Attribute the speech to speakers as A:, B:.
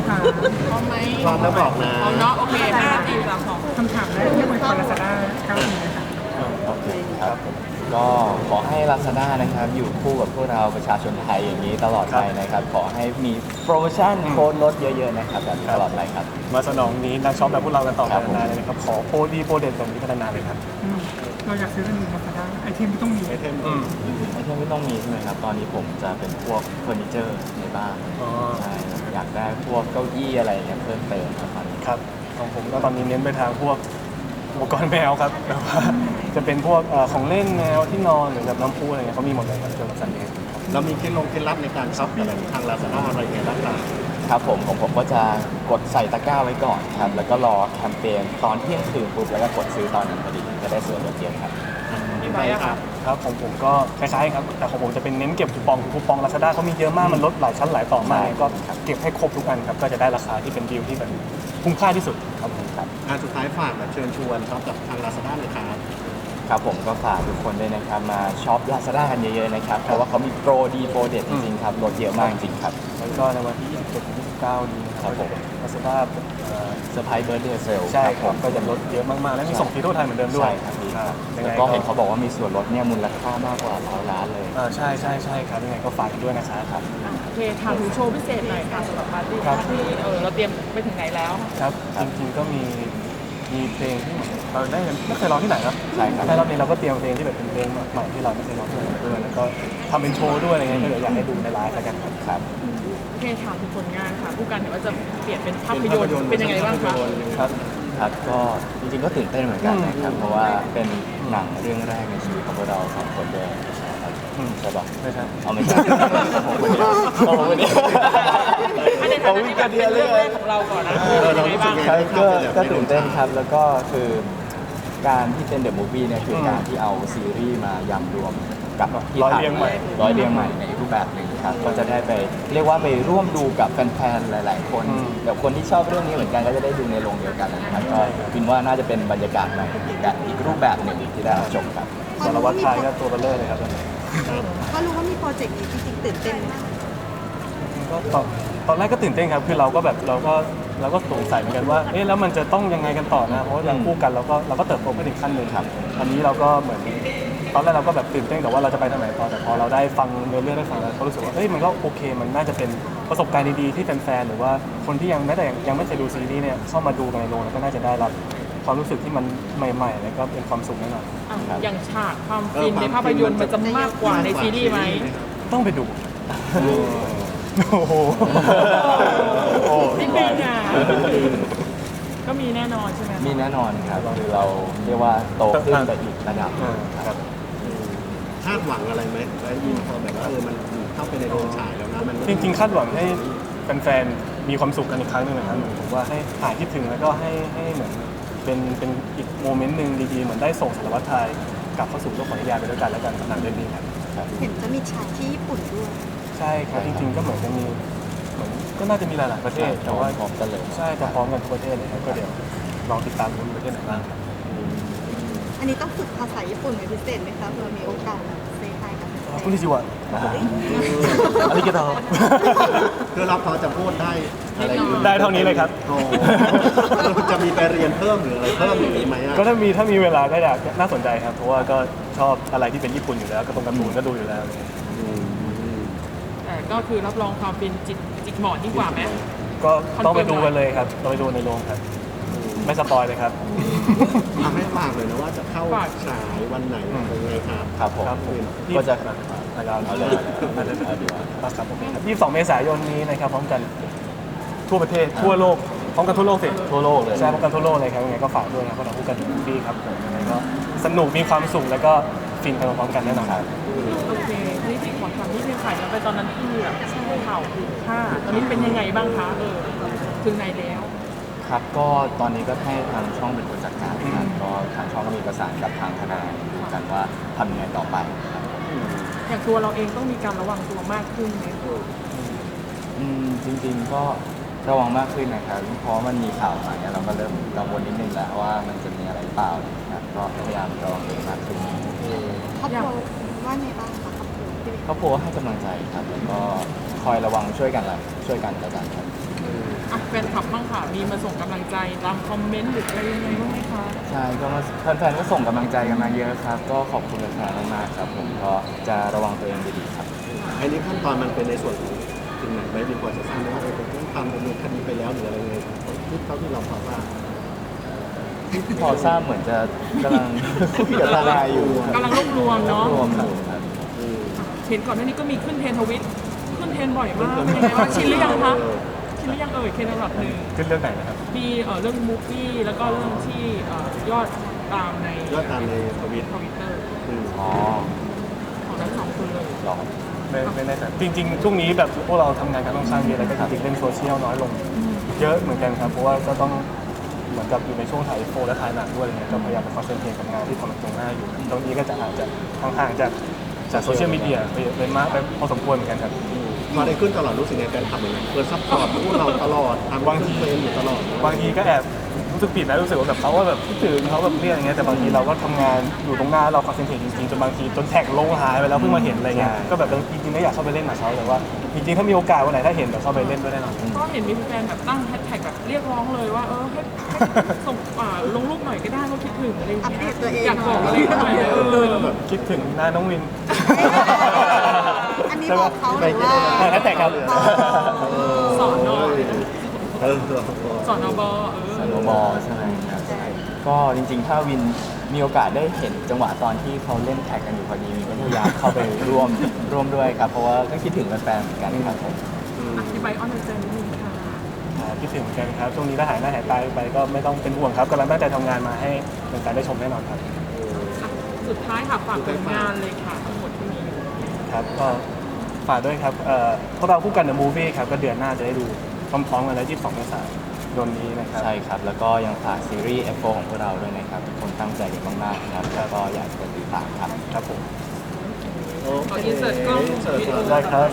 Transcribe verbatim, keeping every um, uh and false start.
A: ถาม
B: พร้อมไหม
C: พร้อมแล้วบอกนะ
B: พร้อมเนาะโอเคห้าสี่สามสอง
A: คำถามแรกที่บนคอลาซาด้าเก้าปีนะคะ
D: โอเคครับก็ขอให้ Lazada นะครับอยู่คู่กับพวกเราประชาชนไทยอย่างนี้ตลอดไปนะครับขอให้มีโปรโมชั่นโค้ดลดเยอะๆนะครับแบบนี้ตลอดไปครับ
E: มาสนองนี้นักช็อปแบบพวกเรากันต่อไป
D: ครับผม
E: นานๆเลยนะครับขอโปรดีโปรเด็ดแบบนี้พัฒนาเลยครับ
A: อืมเราอยากซื้อเป็นลาซาด้าไอเทมที่ต้องมี
C: ไอเทม
E: อืม
D: ไอเทมที่ต้องมีใช่ไหมครับตอนนี้ผมจะเป็นพวกเฟอร์นิเจอร์ในบ้าน
E: อ๋อ
D: ใช่อยากได้พวกเก้าอี้อะไรอย่างเงี้ยเพิ่มเติมครับตอนนี้
E: ครับของผมก็ตอนนี้เน้นไปทางพวกอุปกรณ์แมวครับแบบว่าจะเป็นพวกเอ่อของเล่นแมวที่นอนหรือแบบน้ำพุอะไรเงี้ยเขามีหมดเลยครับเกี่ยวกับสัตว์เลี้ยง
C: เรามีเคล็ดลงเคล็ดลับในการช็อปอะไรทางลาซาด้าอะไรอย่างเงี้ยบ้างครับ
D: ครับผมของผมก็จะกดใส่ตะกร้าไว้ก่อนครับแล้วก็รอแคมเปญตอนเที่ยงคืนปุ๊บแล้วก็กดซื้อตอนนั้นพอดีจะได้ส่วนลดเยอะครับ
B: พี่ไบร์ทอะค่ะ
E: ครับของผมก็คล้ายๆครับแต่ของผมจะเป็นเน้นเก็บคูปองคูปองลาซาด้าเขามีเยอะมากมันลดหลายชั้นหลายต่อมากก็เก็บให้ครบทุกอันครับก็จะได้ราคาที่เป็นดีลที่แบบคุ้มค่าที่สุดครับผมครับ
C: อ่าสุดท้ายฝากแบบเชิญชวนช็อปกับทางลาซาด้าเลยครับ
D: ครับผมก็ฝากทุกคนด้วยนะครับมาช็อป Lazada กันเยอะๆนะครับเพราะว่าเขามีโปรดีโปรเด็ดจริงๆครับลดเยอะมากจริงๆครับ
E: แล้วก็ในวันที่ยี่สิบเจ็ดถึงยี่สิบเก้านี้นะครับ
D: ผม
E: ลาซาด้า
D: เซอร์ไพรส์เบิร์ดเดย์เซล
E: ใช่ครับก็จะลดเยอะมากๆและมีส่งฟรีทั่วไทยเหมือนเดิมด้วย
D: ใช่ครับดีครับ
E: ยัง
D: แล้
E: ไง
D: วก็เห็นเขาบอกว่ามีส่วนลดเนี่ยมูลค่ามากกว่าร้อยล้านเลย
E: อ่าใช่ใช่ใช่ครับยังไงก็ฝากกันด้วยนะครับ
D: ครับ
B: โอเคถามถึงโชว์พิเศษหน่อยค่ะสำหรับปาร์ตี้
E: ครับ
B: ที่เออเราเตรียมไปถึงไหนแล้ว
E: ครับจริงๆก็มีมีเพลงที่เราได้ไม่เคยร้องที่ไหนครับ
D: ใช่ครับ
E: ใช่รอบนี้เราก็เตรียมเพลงที่แบบเป็นเพลงใหม่ที่เราไม่เคยร้องที่ไหนด้วยแล้วก็ทำเป็นโชว์ด้วยอะไรเงี้ยก็เดี๋ยวอยากให้ดูในไลฟ์แล้วกันครับ
D: ครับ
B: โอเคถามถึงผลงานค่ะผู้กันเห็นว่าจะเปลี่ยนเป็นภาพยนตร์เป็นยังไงบ้างคะ
D: ครับครับก็จริงๆก็ตื่นเต้นเหมือนกันนะครับเพราะว่าเป็นหนังเรื่องแรกในชีวิตของพวกเราสองคนด้วยใช่ครับ
E: อืม
D: ใช่ปะ
E: ไม่ใช่
D: เอาไม่ใช่ผมคนเดียวผมคนเดียว
B: อันในฐานะที่แบบเป็นเรื่องแรกของเราก่อนนะเป็นยังไงบ้าง
D: ครับก็ก็ตื่นเต้นครับแล้วก็คือการที่เป็นเดอะมูฟวี่เนี่ยคือการที่เอาซีรีส์มายำรวมกับที่
E: ร้อย
D: ถ่าย
E: เรียงใหม่
D: ร้อยเรียงใหม่ในรูปแบบหนึ่งครับก็จะได้ไปเรียกว่าไปร่วมดูกับแฟนๆหลาย ๆ คน
E: อืม
D: แบบคนที่ชอบเรื่องนี้เหมือนกันก็จะได้ดูในโรงเดียวกันนะครับก็คิดว่าน่าจะเป็นบรรยากาศใหม่อีกแบบอีกรูปแบบหนึ่งที่ได้รับชมครับ
E: สารวัตรชายก็ตัวเบลเลอร์เลยครับ
F: ก็รู้ว่ามีโปรเจกต์นี้จริงๆตื่นเต้นไหม
E: ก็ตอนตอนแรกก็ตื่นเต้นครับคือเราก็แบบเราก็เราก็สงสัยเหมือนกันว่าเอ๊ะแล้วมันจะต้องยังไงกันต่อนะเพราะว่าอย่างคู่กันเราก็เราก็เติบโตไปถึงขั้นหนึ่งครับอันนี้เราก็เหมือนตอนแรกเราก็แบบตื่นเต้นแต่ว่าเราจะไปทางไหนต่อแต่พอเราได้ฟังเนื้อเรื่องได้ฟังแล้วก็รู้สึกว่าเฮ้ยมันก็โอเค มันน่าจะเป็นประสบการณ์ดีๆที่แฟนๆหรือว่าคนที่ยังแม้แต่ยังไม่เคยดูซีรีส์เนี่ยเข้ามาดูในโรงแล้วก็น่าจะได้รับความรู้สึกที่มันใหม่ๆแล้วก็เป็นความสุขแน่นอน
B: อ่ะอย่างฉากความฟินในภาพยนตร์มันจะมากกว่าในซีรีส์ไหม
E: ต้องไปดู โอ้โห
D: โอ้
B: นิดนึงอ่ะก็มีแน่นอนใช่ไหมคะ
D: มีแน่นอนครับคือเราเรียกว่าโตขึ้นไปอีกระดับหนึ่งครับ
C: คาดหวังอะไรไหมแล้วยิ่งพอแบบว่าเออมันเข้าไปในโรงฉายแล้วนะมัน
E: จริงๆคาดหวังให้แฟนๆมีความสุขกันอีกครั้งหนึ่งนะครับเหมือนผมว่าให้หายคิดถึงแล้วก็ให้ให้เหมือนเป็นเป็นอีกโมเมนต์หนึ่งดีๆเหมือนได้ส่งสารวัตรไทยกลับเข้าสู่โลกของนิยายไปด้วยกันแล้วกันหนังเรื่องนี้ครับ
F: เห็นจะมีฉากที่ญี่ปุ่นด้วย
E: ใช่ครับจริงๆก็เหมือนจะมีเหมือนก็น่าจะมีหลายๆประเทศแต่ว่า
D: พร้อมกันเลย
E: ใช่แต่พร้อมกันทุกประเทศเลยครับก็เดี๋ยวลองติดตามดูประเทศไหนบ้างครับ
F: อันนี้ต้องฝึกภาษาญี่ปุ่นเป็นพิเศษไหมคะเพื่อมีโอกาสแบบเซฮายกับ
E: คุณนิจิวะอาริกาโต
C: คือเราพอจะพูดได้อะไรอยู่
E: ได้เท่านี้เลยครับ
C: โอ้จะมีไปเรียนเพิ่มหรืออะไรเพิ่มอย่างนี้ไหมอ่ะ
E: ก็ถ้ามีถ้ามีเวลาก็อยากน่าสนใจครับ เพราะว่าก็ชอบอะไรที่เป็นญี่ปุ่นอยู่แล้วก็ตรงการ์ตูนก็ดูอยู่แล้ว
C: อืม
B: แต่ก็คือรับรองความฟินจิกจิกหมอนยิ่งกว่าไหม
E: ก็ต้องไปดูกันเลยครับต้องไปดูในโรงครับ ไม่สปอยเลยครับ
C: ทำให้ฝากเลยนะว่าจะเข้าฉายวันไหนอะไรยังไงครับ
D: ครับผม
E: ครับผม
D: ก็จะ
E: เอาเลย
D: เอาเลยเอาดีกว่า
E: ครับผมยี่สิบสองเมษายนนี้นะครับพร้อมกันทั่วประเทศทั่วโลกพร้อมกันทั่วโลกสิ
D: ทั่วโลกเลย
E: ใช่พร้อมกันทั่วโลกเลยครับยังไงก็ฝากด้วยนะพวกเราพูดกันดีครับผมยังไงก็สนุกมีความสุขแล้วก็ฟินไปพร้อมๆกันแน่นอนครับ
B: โอเคนี่จิกขอถามนิดนึงค่ะแล้วไปตอนนั้นที่แบบใช่ข่าวถึงค่าตอนนี้เป็นยังไงบ้างคะเออถึงไหนแล้ว
D: ครับก็ตอนนี้ก็ให้ทางช่องเป็นคนจัดการนะครับก็ทางช่องก็มีประสานกับทางทนายดูกันว่าทำยังไงต่อไปครับ
B: อย่างตัวเราเองต้องมีการระวังตัวมากขึ้นไหม
D: อืมจริงๆก็ระวังมากขึ้นนะครับเพราะมันมีข่าวมาเนี่ยเราก็เริ่มกังวลนิดนึงแล้วว่ามันจะมีอะไรเปล่านะครับก็พยายามระวังตัวมากขึ้น
F: ครอบครัวว่าไงบ้างคะครอบครัวที่เป็น
D: ครอบครัวให้กำลังใจครับแล้วก็คอยระวังช่วยกันละช่วยกันแล้วกันครับ
B: อ่ะนคลับบ้างค่ะ มีมาส่งกำลังใจตามคอมเมนต์หรืออะไรยังไงบ้างไหมคะ
D: ใช่ก็มาแฟนๆก็ส่งกำลังใจกันมาเยอะครับ ก็ขอบคุณแฟนๆมากๆครับผมก็จะระวังตัวเองดีๆครับ
C: อันนี้ขั้นตอนมันเป็นในส่วนของถึงไหนไหมมีพอจะทราบไหมว่าเออเป็นทำดำเนินคดีไปแล้วหรืออะไรยังไงที่เท่าที่เราพอทราบ
D: พอทราบเหมือนจะกำลัง คุยกับทนายอยู่
B: กำลังรวบรวมเนาะ
D: รวมอยู่ครับ
B: เห็นก่อนหน้านี้ก็มีขึ้นเทรนด์ทวิตขึ้นเทรนด์บ่อยมากเป็นยังไงว่างชินหรือยังคะชินหรือยังเอ่ยเทรนด์อันดับหนึ่ง
E: ขึ้นเรื่องไหนนะครับ
B: มีเอ่อเรื่องมูฟวี่แล้วก็เรื่องที่เอ่อยอดตามใน
C: ยอดตามในทวิต
B: ทวิตเตอร์
C: อืม
D: อ๋อ
B: ของทั้งสองคนเลย
D: หรอ
E: ไม่ไม่แน่ใจจริงๆ ช่วงนี้แบบพวกเราทำงานกันต้องสร้างเยอะแล้วก็จริงๆเล่นโซเชียลน้อยลง เยอะเหมือนกันครับเพราะว่าก็ต้องเหมือนกับอยู่ในช่วงถ่ายโฟและถ่ายหนังด้วยอะไรเงี้ยก็พยายามไปคอนเซนเทรตกับงานที่ทำตรงหน้าอยู่ตรงนี้ก็จะอาจจะห่างๆจากจากโซเชียลมีเดียไปไปมากไปพอสมควรเหมือนกันครับ
C: พอได้ขึ้นตลอดรู้สึกไงแฟนคลับเหมือนกันเปิดซัพพอร์ตพวกเราตลอดทำ
E: บางที
C: เฟรมอยู่ตลอด
E: บางทีก็แอบรู้สึกผิดนะรู้สึกว่าแบบเขาว่าแบบคิดถึงเขาแบบเรียกอะไรเงี้ยแต่บางทีเราก็ทำงานอยู่ตรงหน้าเราคอนเซนเทรตจริงๆจนบางทีจนแท็กลงหายไปแล้วเพิ่งมาเห็นอะไรเงี้ยก็แบบจริงๆก็อยากเข้าไปเล่นกับเขาแต่ว่าจริงๆถ้ามีโอกาสวันไหนถ้าเห็นเดี๋ยวเข้าไปเล่นด้วยแน่นอน
B: ก็เห็นมีแฟนแบบตั้งแฮชแท็กแบบเรียกร้องเลยว่าเออให้ให้ส่งอ่าลงรูปหน่อยก็ได้ว่าคิดถึงอะไรอย่าง
F: อัป
B: เงี้
F: เดตตัวเอง
B: ยอยากบอกอะไรหน่อยเออ
E: แบบคิดถึงหน้าน้องวิน
F: อันนี้บอกเขาหรือว่า
E: แฮชแท็กครับ
B: สอนนอ
C: เออ
B: สอนอบเอ
D: ส
B: อ
D: โนว์บอลใช่ไหมครับใช่ก็จริงๆ ถ้าวินมีโอกาสได้เห็นจังหวะตอนที่เขาเล่นแท็กกันอยู่พอดีวินก็พยายามเข้าไปร่วมร่วมด้วยครับ เพราะว่าก็คิดถึงแฟนๆเหมือนกันครับผม
B: อธิบายออนเซนนิดนึงค่ะ
E: อ่าคิดถึงเหมือนกันครับช่วงนี้ถ้าหายหน้าหายตาไปก็ไม่ต้องเป็นห่วงครับกำลังตั้งใจทำงานมาให้แฟนๆได้ชมแน่นอนครับ
B: อ่ะสุดท้ายค่ะฝากผลงานเลยค่ะทั้งหมดที่มี
E: ครับก็ฝากด้วยครับเอ่อพวกเราคู่กัน The Movie ครับก็เดือนหน้าจะได้ดูพร้อมๆกันแล้วยี่สิบสองเมษายนนี้นะครับ
D: ใช่ครับ แล้วก็ยังฝากซีรีส์ เอฟ โฟร์ ของพวกเราด้วยนะครับ ทุกคนตั้งใจกันมากๆนะครับแล้วก็อยากจะติดตามครับ
E: ครับผม
C: โอ
B: ขอ
C: เค
B: อินเสิร์ตกล้องวิดีโอ
E: ได้ครับ